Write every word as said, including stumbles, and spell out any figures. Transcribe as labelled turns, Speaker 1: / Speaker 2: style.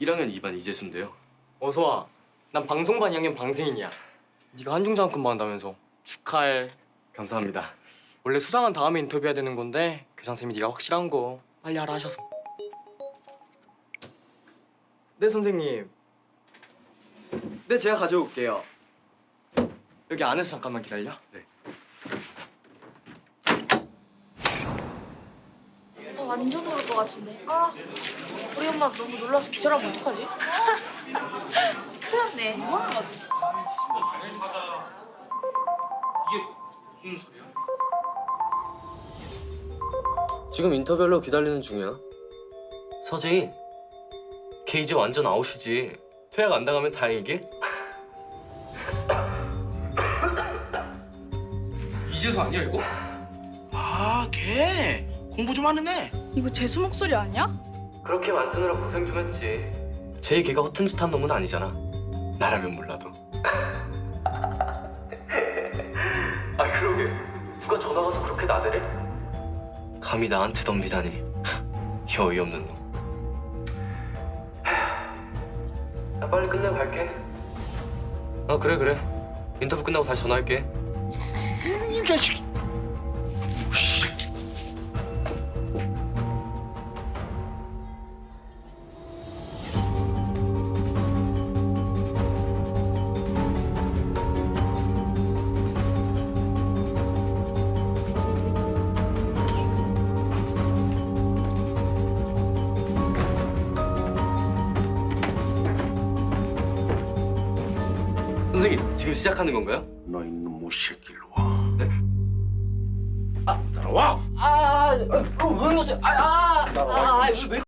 Speaker 1: 일 학년 이 반 이재수인데요.
Speaker 2: 어서 와. 난 방송반 이 학년 방승인이야. 네가 한중장학금 받는다면서. 축하해.
Speaker 1: 감사합니다.
Speaker 2: 원래 수상한 다음에 인터뷰해야 되는 건데 교장쌤이 네가 확실한 거 빨리 하라 하셔서. 네 선생님. 네 제가 가져올게요. 여기 안에서 잠깐만 기다려.
Speaker 1: 네.
Speaker 3: 어, 완전 오를 것 같은데. 아, 우리 엄마 너무 놀라서 기절하면 어떡하지? 큰일 났네. 뭐 하는 거지?
Speaker 1: 이게 무슨 소리야?
Speaker 4: 지금 인터뷰하려고 기다리는 중이야. 서재희, 걔 이제 완전 아웃이지. 퇴학 안 당하면 다행이게.
Speaker 1: 이재수 아니야 이거?
Speaker 5: 아, 걔 공부 좀 하는 애.
Speaker 6: 이거 재수 목소리 아니야?
Speaker 4: 그렇게 만드느라 고생 좀 했지. 제이 걔가 허튼 짓 한 놈은 아니잖아. 나라면 몰라도. 아 그러게, 누가 전화 와서 그렇게 나대래? 감히 나한테 덤비다니. 이 어이없는 놈. 나 빨리 끝내고 갈게. 어 그래 그래. 인터뷰 끝나고 다시 전화할게.
Speaker 5: 이 자식.
Speaker 4: 선생님, 지금 시작하는 건가요?
Speaker 5: 너 이놈 못 새끼 일로 와.
Speaker 4: 네?
Speaker 5: 아, 따라와.
Speaker 4: 아, 아, 아, 왜 그러세요? 아, 아,
Speaker 5: 따라와.
Speaker 4: 아, 왜